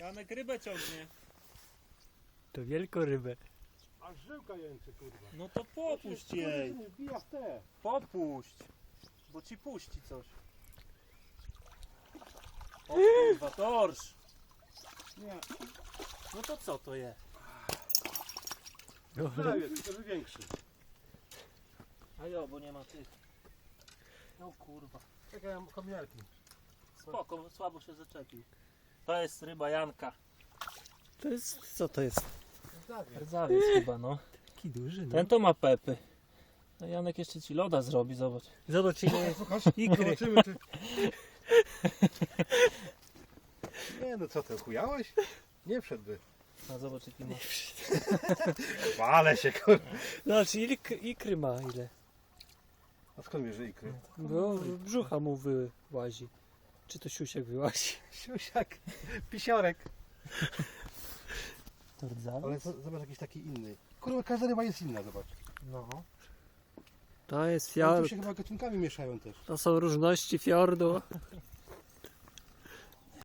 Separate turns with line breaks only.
Janek rybę ciągnie.
To wielką rybę.
Aż żyłka jęczy, kurwa.
No to popuść jej.
Nie wbija w te.
Popuść. Bo ci puści coś. O kurwa, torsz.
Nie,
No to co to jest?
prawie, tylko że większy.
A jo, bo nie ma tych. No kurwa.
Czekaj, ja mam kominiarki.
Spoko, słabo się zaczepił. To jest ryba Janka.
To jest, co to jest?
Rdzawiec chyba, no.
Taki duży, no.
Ten to ma pepy. No Janek jeszcze ci loda zrobi, zobacz.
Zobacz ile jest
Słuchasz?
ikry.
Zobaczymy, czy... Nie no co ty, chujałeś? Nie wszedłby.
A zobacz jaki ma.
Wale się, kurwa.
Zobacz ile ikry ma, ile.
A skąd wiesz, że ikry?
Bo brzucha mu wyłazi. Czy to siusiak wyłazi?
Siusiak, pisiorek.
To rdzawiec?
Ale zobacz jakiś taki inny. Kurwa, każda ryba jest inna, zobacz.
No.
To jest
Ale
fiord.
tu się chyba gatunkami mieszają też.
To są różności fiordu.